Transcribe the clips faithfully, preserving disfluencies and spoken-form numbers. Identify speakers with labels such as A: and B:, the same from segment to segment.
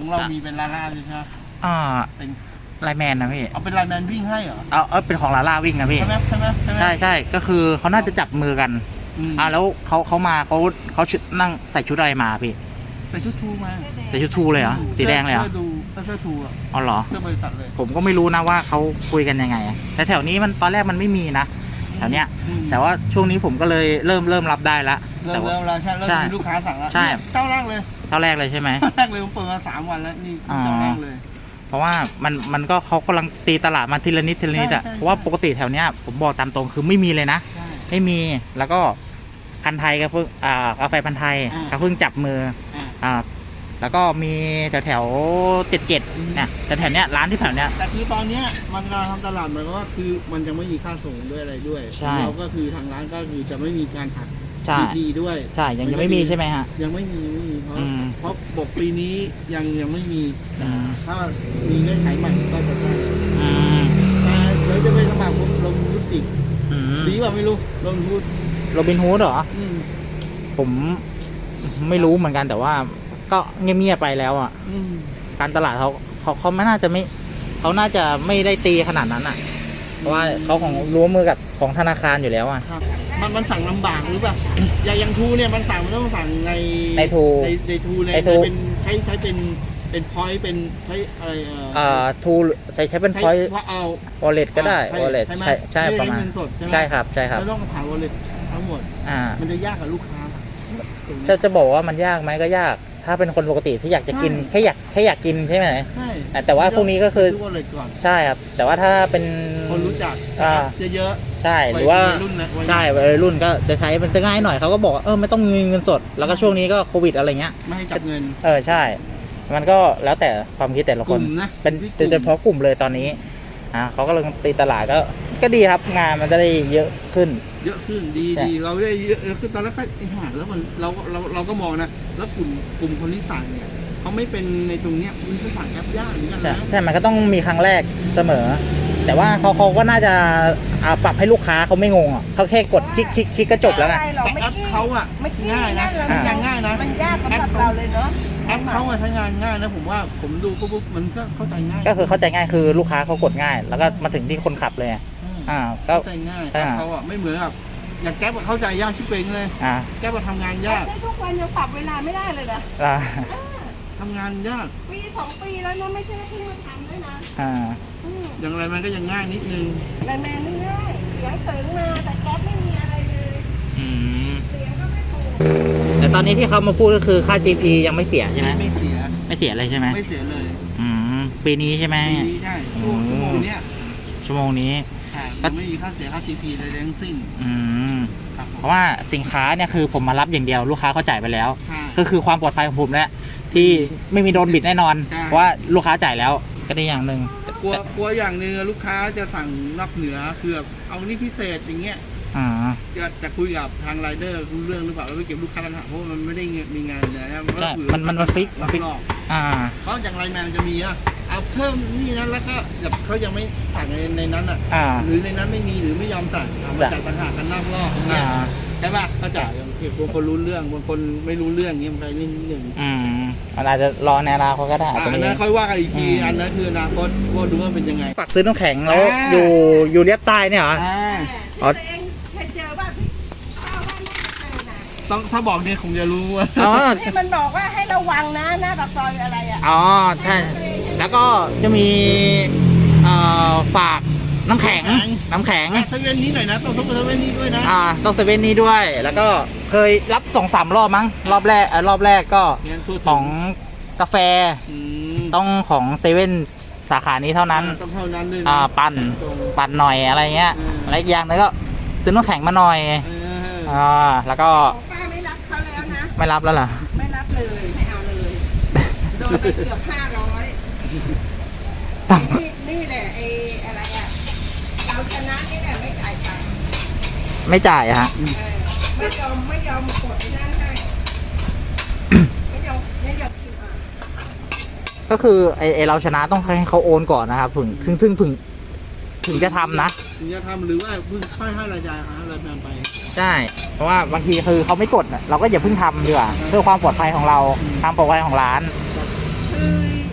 A: ของเรามีเป็นลาล่าใช่ไหม
B: อ่า
A: เป็น
B: ไลแมนนะพี่
A: เอาเป็นไลแมนวิ่งให้เหรอ
B: เอาเออเป็นของลาล่าวิ่งนะพี่
A: ใช่ไหมใช่ไหมใช่ไหม
B: ใช่ใช่ก็คือเขาน่าจะจับมือกันอ่าแล้วเขาเขามาเขาเขาชุดนั่งใส่ชุดอะไรมาพี่
A: ใส่ชุดทูมา
B: ใส่ชุดทูเลยเหรอสีแดงเลยเหรอ
A: เสื้อดูเสื้อทูอ่ะ
B: อ๋อเหรอ
A: เสื้อบริษัทเลย
B: ผมก็ไม่รู้นะว่าเขาคุยกันยังไงแต่แถวนี้มันตอนแรกมันไม่มีนะแถวเนี้ยแต่ว่าช่วงนี้ผมก็เลยเริ่มเริ่มรับได้ละ
A: เริ่มเริ่มแล้วใช่เริ่มมีลูกค้าสั่งแล้ว
B: ใช่
A: เจ้าแรกเลย
B: เจ้าแรกเลยใช่ไหม
A: เจ้าแรกเลยผมเปิดมาสามวันแล้วนี่เจ้าแรกเลย
B: เพราะว่ามันมันก็เขากำลังตีตลาดมาทีละนิดทีละนิดอ่ะเพราะว่าปกติแถวเนี้ยผมบอกตามตรงคือไม่มีเลยนะไม่มีแล้วก็พันไทยกับเพิ่งอ่ากาแฟพันไทยกับเพิ่งจับมืออ่าแล้วก็มีแถวแถวเจ็ดเจ็ดเนี่ยแต่แถวเนี้ยร้านที่แถวเนี้ย
A: แต่คือตอนเนี้ยมันกำลังทำตลาดหมายความว่าคือมันจะไม่มีค่าส่งด้วยอะไรด้วยเราก็คือทางร้านก็คือจะไม่มีการหักดีด้วย
B: ใช่ยังยังไม่มีใช่ไหมฮะ
A: ยังไม่มีไม่มีเพราะเพราะบอกปีนี้ยังยังไม่มีถ้ามีเงื่อนไขใหม่ก็จะได้แต่เดี๋ยวจะไปสมัครลงทุนอีกดีป่ะไม่รู้ลงทุน
B: โรบินฮูดเหรอผมไม่รู้เหมือนกันแต่ว่าก็เงียบๆไปแล้วอ่ะการตลาดเขาเขาเขาไม่น่าจะไม่เขาน่าจะไม่ได้ตีขนาดนั้นอ่ะเพราะว่าเขาของร่วมมือกับของธนาคารอยู่แล้วอ่ะ
A: มันมันสั่งลำบากหรือเปล่าอย่างอย่างทูเนี่ยมันสั่งมันต้องสั่งใน
B: ในทู
A: ในในทูในเป็นใช้ใช้เป็นเป็นพอยต์เป็นใช้อะไร
B: เอ่อทูใช้ใช้เป็นพอยต์
A: เอา
B: วอลเล็ตก็ได้วอลเล็ตใช่ใช่ประมาณใช่ครับใช่ครับ
A: เราต้องผ่านวอลเล็ตทั้งหมดอ่ามันจะยากกับลูกค้า
B: จะจะบอกว่ามันยากไหมก็ยากถ้าเป็นคนปกติที่อยากจะกินแค่อยากแค่อยากกินใช่ไหมใช่แต่ว่าพวกนี้ก็คือใช่ครับแต่ว่าถ้าเป็น
A: คนรู้จักเยอะ
B: ๆใช่หรือว่าใช่วัยรุ่นก็จะใช้มันจะง่ายหน่อยเขาก็บอกเออไม่ต้องเงินเงินสดแล้วก็ช่วงนี้ก็โควิดอะไรเงี้ย
A: ไม่ให้จับเงิน
B: เออใช่มันก็แล้วแต่ความคิดแต่ละคนเป็นเฉพาะกลุ่มเลยตอนนี้อ่าเขาก็เลยตีตลาดก็ก็ดีครับงานมันจะได้เยอะขึ้น
A: เยอะขึ้นดีดีเราได้เยอะขึ้นตอนแรกก็ไอ้ห่าแล้วมันเราเราเราก็มองนะแล้วกลุ่มกลุ่มคนที่สั่งเนี่ยเขาไม่เป็นในตรงเนี้ยมันจะสั่งแอปยากเหมือนกันนะ
B: ใช่มันก็ต้องมีครั้งแรกเสมอแต่ว่าเขาเขาก็น่าจะปรับให้ลูกค้าเขาไม่งงอ่ะเขาแค่กดคลิกคลิกคลิกก็จบแล้วไง
A: แต่แอปเขาอ่ะง่ายนะมันยังง่ายนะ
C: มันยากสำหรับเราเลยเนาะ
A: แอปเขาใช้งานง่ายนะผมว่าผมดูปุ๊บมันก็เข้าใจง่าย
B: ก็คือเข้าใจง่ายคือลูกค้าเขากดง่ายแล้วก็มาถึงที่คนขับเลย
A: อ่าเข้าใจง่ายเขาอ่ะไม่เหมือนกับอย่างแก๊ปเข้าใจยากชิบเป่งเลยแก๊ปมาทำงานยาก
C: ทุกวันยังปรับเวลาไม่ได้เลยนะ
A: ทำงานยาก
C: ปีสองปีแล้วนะไม่ใช่เพิ่งมาทำด้วยนะ
A: อย่างไรมันก็ยังง่ายนิดนึง
C: ไรแมนง่ายเสียงเสริงมาแต่แก๊ปไม่มีอะไรเลยเสียงก็ไม่ถูก
B: แต่ตอนนี้ที่เขามาพูดก็คือค่า จี พี ยังไม่เสียใช่ไหม
A: ไม่เสีย
B: ไม่เสียเลยใช่ไหม
A: ไม่เสียเลย
B: อืมปีนี้ใช่ไหม
A: ปีนี้ใช่ชั่วโมงนี้
B: ชั่วโมงนี้
A: ก็ไม่มีค่าเสียค่า จี พี เลยทั้งสิ้น
B: อืมเพราะว่าสินค้าเนี่ยคือผมมารับอย่างเดียวลูกค้าเขาจ่ายไปแล้วก็คือความปลอดภัยของผมแหละที่ไม่มีโดนบิดแน่นอนเพราะว่าลูกค้าจ่ายแล้วก็ได้อย่างหนึ่ง
A: กลัวกลัวอย่างหนึ่งลูกค้าจะสั่งนอกเหนือคือเอานี่พิเศษอย่างเงี้ยจะจะคุยกับทางไรเดอร์รู้เรื่องหรือเปล่าแล้วไปเก็บลูกค้าปัญหาเพราะมันไม่ได้มีงานเลยนะ
B: ใช่มันมันมันฟิก
A: มันฟิกเพราะอย่างไรแมนมันจะมีอ่ะเอาเพิ่มนี่นั้นแล้วก็แบบเขายังไม่สั่งในในนั้นอ่ะหรือในนั้นไม่มีหรือไม่ยอมสั่งมาจัดต่างหากกันนอกรอบเนี่ยใช่ป่ะเขาจ่ายบางคนรู้เรื่องบางคนไม่รู้เรื่องเงี้ยมันไปนิดนึง
B: อืมอาจจะรอในอนาคตก็ได้
A: อันนั้นค่อยว่ากันอีกทีอันนั้นคืออนาคตก็ดูว่าเป็นยังไง
B: ฝากซื้อน้ำแข็งแล้วอยู่อยู่เลียบใต้เนี่ยเหรอ
C: อ๋อเคยเจอบ้างข้าวบ้านไม่เคยนะ
A: ต้องถ้าบอกเนี่ยคงจะรู้ว่า
C: ที่มันบอกว่าให้ระวังนะหน้าปากซอยอะไรอ่ะ
B: อ๋อใช่แล้วก็จะมีฝากน้ำแข็งน้ำแข็ง
A: เซเว่นนี้หน่อยนะต้องต้องเซเว่นนี้ด้วยนะ
B: อ่าต้องเซเว่นนี้ด้วยแล้วก็เคยรับสองสามรอบมั้งรอบแรกรอบแรกก็ของกาแฟต้องของเซเว่นสาขานี้เท่านั้น
A: ต้องเท่านั้นเลย
B: อ่าปั่นปั่นหน่อยอะไรเงี้ยอะไรอีกอย่างนึงก็ซื้อน้ำแข็งมาหน่อยอ่าแล้วก็
C: ป้าไม่รับเขาแล้วนะ
B: ไม่รับแล้วเหรอ
C: ไม่รับเลยไม่เอาเลยโดนไปเกือบห้าร้อยนี่นี่แหละไอ้อะไรอ่ะเราชนะนี่แหละไม่จ่ายตังค์
B: ไม่จ่ายฮะ
C: ไม่ยอมไม่ยอมกดนั่นให้ไม่ยอมไม่ยอมคิดอ่ะ
B: ก็คือไอ้เราชนะต้องให้เขาโอนก่อนนะครับถึงถึงถึงถึงถึงจะทำนะ
A: ถึงจะทำหรือว่าเพิ่งค่อยให้รายจ่ายหารายงานไป
B: ใช่เพราะว่าบางทีคือเขาไม่กดเราก็อย่าเพิ่งทำดีกว่าเพื่อความปลอดภัยของเราความปลอดภัยของร้าน
C: คือ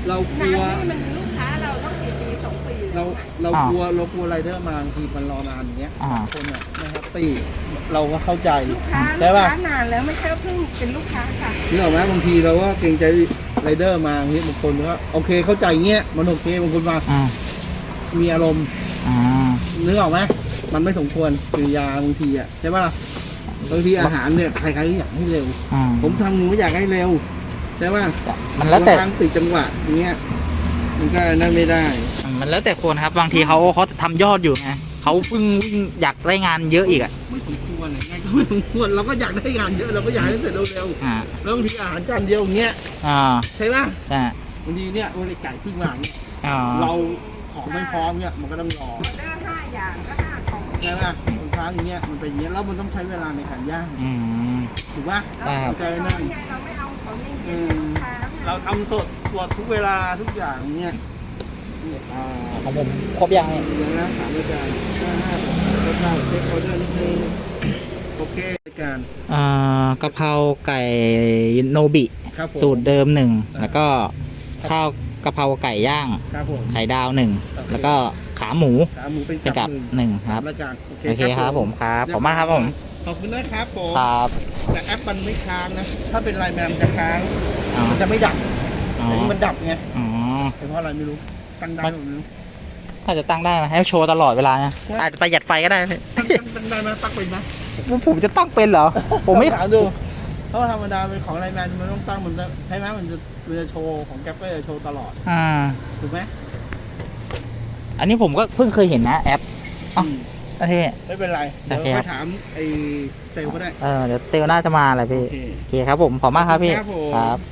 A: เราก
C: นา
A: ลัว
C: นนี่มันลูกค้าเราต้องกี่ปีสองปีแล้
A: เรา
C: วอะ
A: เรากลัวเรากลัวไรเดอร์มาบางทีมันรอนานอย่างเงี้ย
B: อ่า
A: คนอ่ะไม่แฮปปี้เราก็เข้าใจ
C: ลูกค้า
A: ใช่
C: ลูก
A: ป่ะ
C: ค้านานแล้วไม่ใช่ว่าเพิ่งเป็นลูกค้าค่ะ
A: นึกออกไหมบางทีเราก็เกรงใจไรเดอร์มาอย่างเงี้ยบางคนก็โอเคเข้าใจเงี้ยมันโอเคบางคนมา
B: อ่า
A: มีอารมณ์
B: อ่า
A: นึกออกไหมมันไม่สมควรกิริยาบางทีอ่ะใช่ป่ะล่ะบางทีอาหารเนี่ยใครๆก็อยากให้เร็ว
B: อ่า
A: ผมทำหนูอยากให้เร็วใช่ป่ะ
B: มันแล้วแต่
A: บางครั้งติดจังหวะอย่างเงี้ยมันก็นั่นไม่ได้
B: มันแล้วแต่คนครับบางทีเขาเขาทำยอดอยู่ไงเขาเพิ่งวิ่งอยากได้งานเยอะอีกอ่ะ
A: ไม่สมควรไงก็ไม่สมควรเราก็อยากได้งานเยอะเราก็อยากให้เสร็จเร็ว
B: อ่า
A: ๆแล้วบางทีอาหารจานเดียวอย่างเงี้ย
B: อ่า
A: ใช่ป่ะ
B: อ่า
A: บางทีเนี่ยวันไก่เพิ่งมาเนี่ย
B: อ่า
A: เราของไม่พร้อมเนี่ยมันก็ต้องรอ
C: ออเดอร์ห้าอย่างก็ห้าของ
A: ใช่ป่ะบางครั้งอย่างเงี้ยมันเป็นอย่างเงี้ยแล้วมันต้องใช้เวลาในการย่าง
B: อืม
A: ถูกป่ะ
C: เรา
B: ครับ
A: เข้าใจ
C: เรา
A: นั่น
C: ไงเราไม่เอาของเย็นๆให้ลูกค้าไง
A: เราทำสดตรวจทุกเวลาทุกอย่างอย่างเงี้ยเนี่ยอ่า
B: ของผมครบยังเนี่ย
A: เดี๋ยวนะถามอาจารย์ห้าห้าหกเก้าเช็คออเดอร์นิดนึงโอเคอาจารย์
B: อ่ากะเพราไก่โนบิ
A: ครับผม
B: สูตรเดิมหนึ่ง
A: อ่า
B: แล้วก็ข้าวกะเพราไก่ย่าง
A: ครับผม
B: ไข่ดาวหนึ่ง
A: โอเค
B: แล้วก็ขาหมู
A: ขาหมูเป็น
B: เป็น
A: กั
B: กั
A: บบ หนึ่ง
B: หนึ่งครับ
A: อาจารย์โอเค
B: โอเคครับผมครับขอบคุณมากครับผม
A: ขอบคุณนะครับผม
B: ครับ
A: แต่แอปมันไม่ค้างนะ ถ้าเป็นไลน์แมนมันจะค้าง
B: อ๋อ
A: มันจะไม่ดับ
B: อ๋อ
A: แต่นี่มันดับไง
B: อ๋อ
A: เป็นเพราะอะไรไม่รู้ตั้งได้หรือไม่รู้
B: ถ้าจะตั้งได้ไหมให้โชว์ตลอดเวลานะ
A: ใช่
B: อาจจะประหยัดไฟก็ได้
A: ตั้งตั้งได้ไหมตั้งเป็นไหม
B: ผมจะตั้งเป็นเหรอ ผมไม่
A: ถามดูเพราะว่าธรรมดาเป็นของไลน์แมนมันต้องตั้งมันจะใช่ไหมมันจะมันจะโชว์ของแก๊ปก็จะโชว์ตลอด
B: อ่า
A: ถูกไหม
B: อันนี้ผมก็เพิ่งเคยเห็นนะแอป อ้าว
A: อืม
B: โอเค
A: ไม่เป็นไร เดี๋ยว
B: โอเคค
A: ไป
B: รับ
A: ถามไอ้เซลล์ก็ได้
B: เออเดี๋ยวเซลลน่าจะมาแหละพี่
A: โอเค
B: โอเคครับผมขอบคุณมากครับพี่
A: ครับผม
B: ครับ